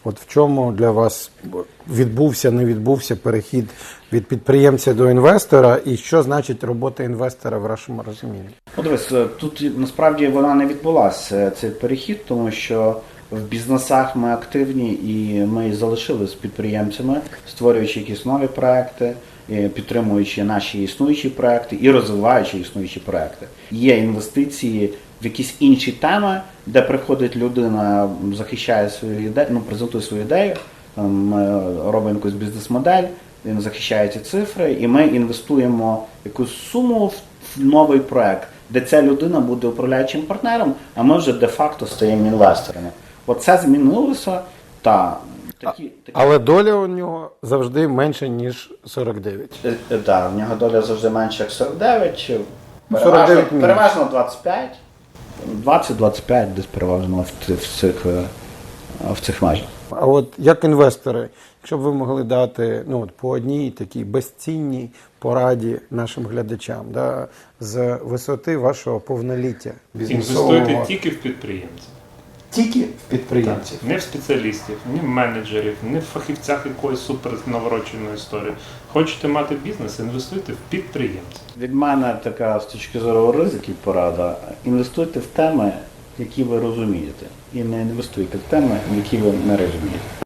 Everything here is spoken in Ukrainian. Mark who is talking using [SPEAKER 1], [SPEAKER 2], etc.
[SPEAKER 1] От в чому для вас відбувся, не відбувся перехід від підприємця до інвестора, і що значить робота інвестора в вашому розумінні?
[SPEAKER 2] Ну, дивись, тут насправді вона не відбулася, цей перехід, тому що в бізнесах ми активні і ми залишились підприємцями, створюючи якісь нові проекти, підтримуючи наші існуючі проекти і розвиваючи існуючі проекти. Є інвестиції в якісь інші теми, де приходить людина, захищає свою ідею, презентує свою ідею, ми робимо якусь бізнес-модель, він захищає ці цифри, і ми інвестуємо якусь суму в новий проект, де ця людина буде управляючим партнером, а ми вже де-факто стаємо інвесторами. Оце змінилося,
[SPEAKER 1] Але доля у нього завжди менша, ніж 49.
[SPEAKER 2] Так, в нього доля завжди менша, як 49,
[SPEAKER 1] 49
[SPEAKER 2] переважно 25, 20-25 десь переважно в цих межах.
[SPEAKER 1] А от як інвестори, якщо б ви могли дати по одній такій безцінній пораді нашим глядачам, з висоти вашого повноліття бізнесового.
[SPEAKER 3] Інвестуйте тільки в підприємців.
[SPEAKER 1] Тільки в підприємців?
[SPEAKER 3] Так. Не в спеціалістів, не в менеджерів, не в фахівцях якоїсь супер навороченої історії. Хочете мати бізнес, інвестуйте в підприємців.
[SPEAKER 2] Від мене така з точки зору ризиків порада. Інвестуйте в теми, які ви розумієте. І не інвестуйте в теми, які ви не розумієте.